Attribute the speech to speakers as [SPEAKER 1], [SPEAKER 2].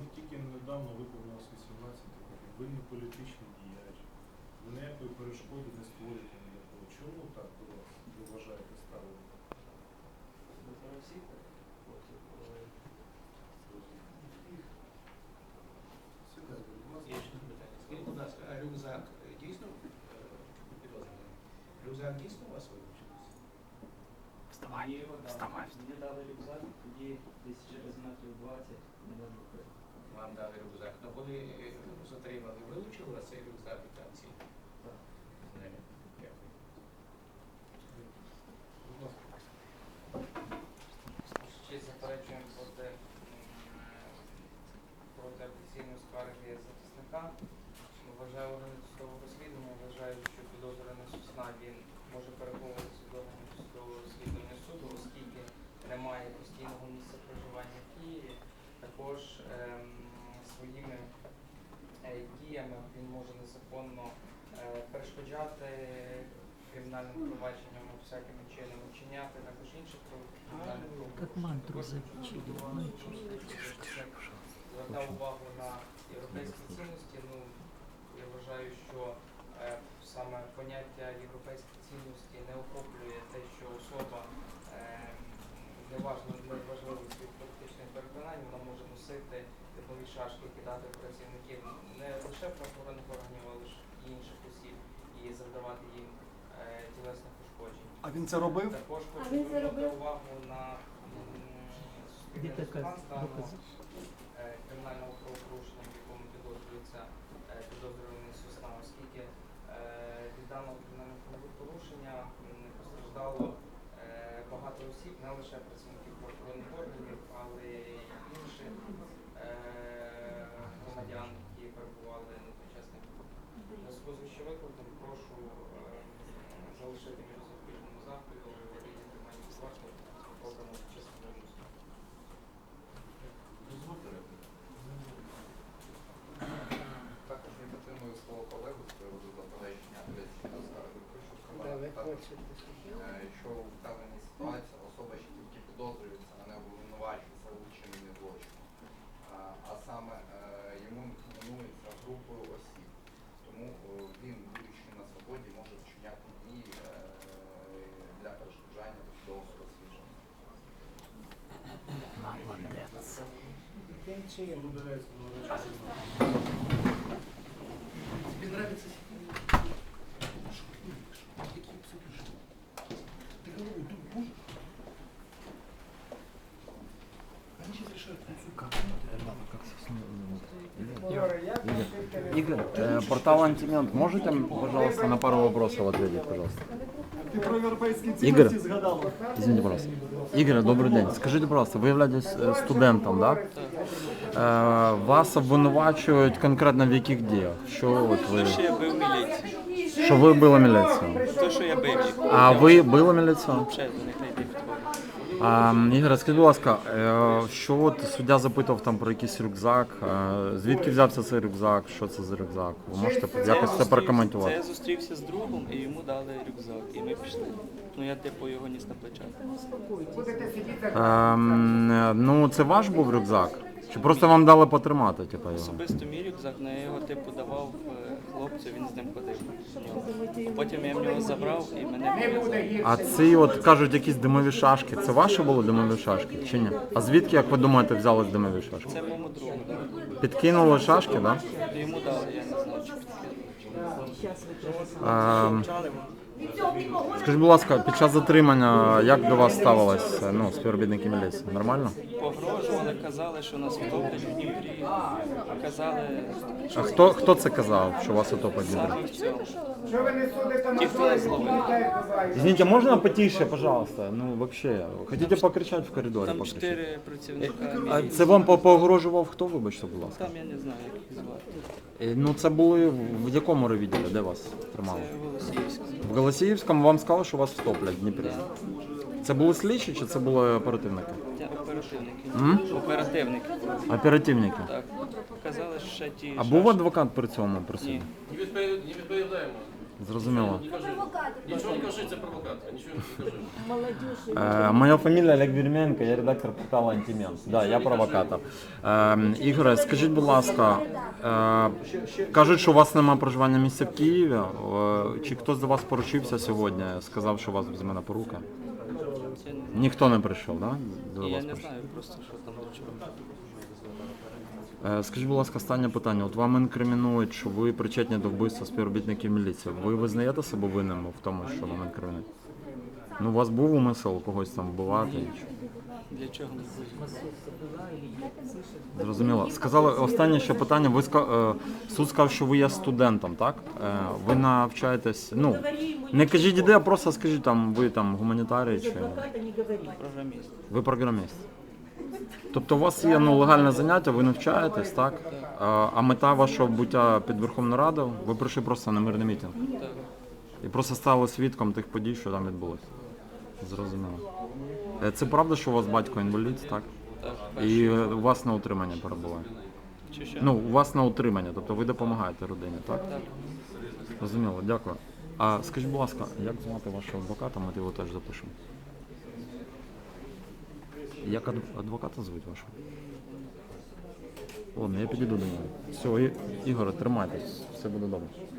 [SPEAKER 1] тільки недавно виповнилось 18 років. Ви не політичний діяч. Ви ніякої перешкоди не створюєте ніякого. Чому так до вас, ви вважаєте, ставлення?
[SPEAKER 2] Є ще питання. Скажіть, будь ласка, а рюкзак дійсно підозрюваний? Рюкзак дійсно у вас вилучився?
[SPEAKER 3] Вставай, вставай.
[SPEAKER 4] Мені дали рюкзак, тоді десь через метрів 20 не можу купити.
[SPEAKER 2] Вам дали рюкзак. Ну коли затримали, вилучили у вас цей рюкзак і там ці?
[SPEAKER 4] Так.
[SPEAKER 2] Дякую.
[SPEAKER 1] Будь ласка.
[SPEAKER 5] Ще заперечуємо проти офіційної скарги захисника. Вважаю органи судового розслідування, вважаю, що підозрюваний Сосна він може переховуватися до органів судового розслідування суду, оскільки немає постійного місця проживання в Києві. Також своїми діями він може незаконно перешкоджати кримінальним провадженням всякими чинами, вчиняти також інших кримінальних
[SPEAKER 3] Как мантру завчили.
[SPEAKER 5] Звертав увагу на європейські цінності. Ну, я вважаю, що саме поняття європейські цінності не охоплює те, що особа неважливо своїх політичних переконань, вона може носити теплові шашки, кидати працівників не лише правоохоронних органів, але ж і інших осіб і завдавати їм тілесних ушкоджень.
[SPEAKER 6] А він це робив?
[SPEAKER 5] Також хочу звернути увагу на суспільний стан кримінального правопорушення, в якому підозрюється підозрюваний Сосна, оскільки від даного кримінального правопорушення постраждало багато осіб, не лише працівників правоохоронних органів, але й інших громадян, які перебували на той час. У зв'язку з вищевикладом прошу залишити між запобіжному заходу рівні тримання під вартою обраного під час судового суду.
[SPEAKER 1] Дозвольте репліку.
[SPEAKER 7] Також я підтримую свого колегу з приводу заперечення апеляційної скарги. Хочу сказати, що в вказаній ситуації особа ще тільки підозрюється, а не обвинувачується у вчиненні злочину. А саме йому інкримінується групою осіб. Тому він, будучи на свободі, може вчиняти дії для перешкоджання досудового розслідування.
[SPEAKER 3] Молодец.
[SPEAKER 1] Удаляється
[SPEAKER 2] Тобі нравится? Ты голову тут можешь? Они сейчас решают
[SPEAKER 3] Игорь, портал Антимент, можете, пожалуйста, на пару вопросов ответить, пожалуйста?
[SPEAKER 6] Ти про європейські
[SPEAKER 3] Ігор.
[SPEAKER 6] цінності згадав.
[SPEAKER 3] Извините, пожалуйста. Игорь, добрый день. Скажите, пожалуйста, вы являетесь студентом, да? Вас обвинувачують конкретно в яких діях? Що от ви...
[SPEAKER 8] Що я бив міліцію.
[SPEAKER 3] Що ви били міліцію?
[SPEAKER 8] То, що я бив їх.
[SPEAKER 3] А ви били міліцію?
[SPEAKER 8] Ще до них не йти в твою.
[SPEAKER 3] Ігор, скажіть, будь ласка, що от суддя запитував там про якийсь рюкзак, звідки взявся цей рюкзак, що це за рюкзак? Ви можете якось це
[SPEAKER 8] Це
[SPEAKER 3] прокоментувати?
[SPEAKER 8] я зустрівся з другом і йому дали рюкзак. І ми пішли. Ну я типу його ніс на плечах.
[SPEAKER 3] Ну, це ваш був рюкзак? Чи просто вам дали потримати, типу, його?
[SPEAKER 8] Особисто мій рюкзак, на його типу давав хлопцю, він з ним ходив. Потім я в нього забрав і мене пов'язали.
[SPEAKER 3] А ці, от кажуть, якісь димові шашки, це ваші були димові шашки чи ні? А звідки, як ви думаєте, взялись димові шашки?
[SPEAKER 8] Це моєму другу дали.
[SPEAKER 3] Підкинули шашки, так? Да?
[SPEAKER 8] Йому дали, я не знаю, чи підкинули.
[SPEAKER 3] Скажіть, будь ласка, під час затримання як до вас ставилось співробітники міліції? Нормально?
[SPEAKER 8] Погрожували, казали, що нас втоплять в Дніпрі. Казали,
[SPEAKER 3] А хто це казав, що вас утопить в Дніпрі?
[SPEAKER 8] саме в цьому. Ті, хто нас зловив.
[SPEAKER 3] Извините, можно потише, пожалуйста? Ну, вообще, хотите покричать в коридорі?
[SPEAKER 8] Там
[SPEAKER 3] покричать?
[SPEAKER 8] 4 працівника
[SPEAKER 3] А
[SPEAKER 8] міліції.
[SPEAKER 3] це вам погрожував хто, вибачте, будь ласка?
[SPEAKER 8] Там я не знаю, як їх звати.
[SPEAKER 3] Ну, це були в якому райвідділі, де вас тримали?
[SPEAKER 8] Це Голосіївська.
[SPEAKER 3] В Голосіївському вам сказали, що вас встоплять в Дніпрі. Це були слідчі чи це були оперативники?
[SPEAKER 8] Це оперативники.
[SPEAKER 3] М?
[SPEAKER 8] Оперативники.
[SPEAKER 3] Оперативники.
[SPEAKER 8] Так. Казали, що ще ті.
[SPEAKER 3] А був адвокат при цьому при суді?
[SPEAKER 8] Ні.
[SPEAKER 2] Не відповідаємо.
[SPEAKER 3] Зрозуміло.
[SPEAKER 9] Нічого не кажи, це провокація. Нічого не кажи.
[SPEAKER 3] Моя фамілія Олег Вірменко, я редактор порталу Антимент. Да, я провокатор. Ігоре, скажіть, будь ласка, кажуть, що у вас немає проживання місця в Києві. Чи хтось до вас поручився сьогодні, сказав, що у вас візьме на поруки?
[SPEAKER 8] Це
[SPEAKER 3] Ніхто не прийшов, да? До
[SPEAKER 8] я
[SPEAKER 3] вас
[SPEAKER 8] не
[SPEAKER 3] прийшов?
[SPEAKER 8] знаю просто, що там до чого.
[SPEAKER 3] Скажіть, будь ласка, останнє питання. От вам інкримінують, що ви причетні до вбивства співробітників міліції. Ви визнаєте себе винним в тому, що вам інкримінують? Ну, у вас був умисел когось там вбивати?
[SPEAKER 8] Для чого не буде?
[SPEAKER 3] Зрозуміло. Сказали, останнє ще питання. Ви суд сказав, що ви є студентом, так? Ви навчаєтесь, ну, не кажіть іде, а просто скажіть, там, ви там гуманітарій чи...
[SPEAKER 8] Програміст.
[SPEAKER 3] Ви програміст. Тобто у вас є легальне заняття, ви навчаєтесь, так? А мета вашого буття під Верховну Раду, ви прийшли просто на мирний мітинг.
[SPEAKER 8] Так.
[SPEAKER 3] І просто стали свідком тих подій, що там відбулося. Зрозуміло. Це правда, що у вас батько інвалід, так?
[SPEAKER 8] Так.
[SPEAKER 3] І у вас на утримання перебуває?
[SPEAKER 8] Чи що?
[SPEAKER 3] Ну, у вас на утримання, тобто ви допомагаєте родині, так?
[SPEAKER 8] Так.
[SPEAKER 3] Зрозуміло, дякую. А скажіть, будь ласка, як звати вашого адвоката, ми його теж запишемо? Як адвоката звуть вашого? Ладно, я підійду до нього. Все, Ігоре, тримайтесь, все буде добре.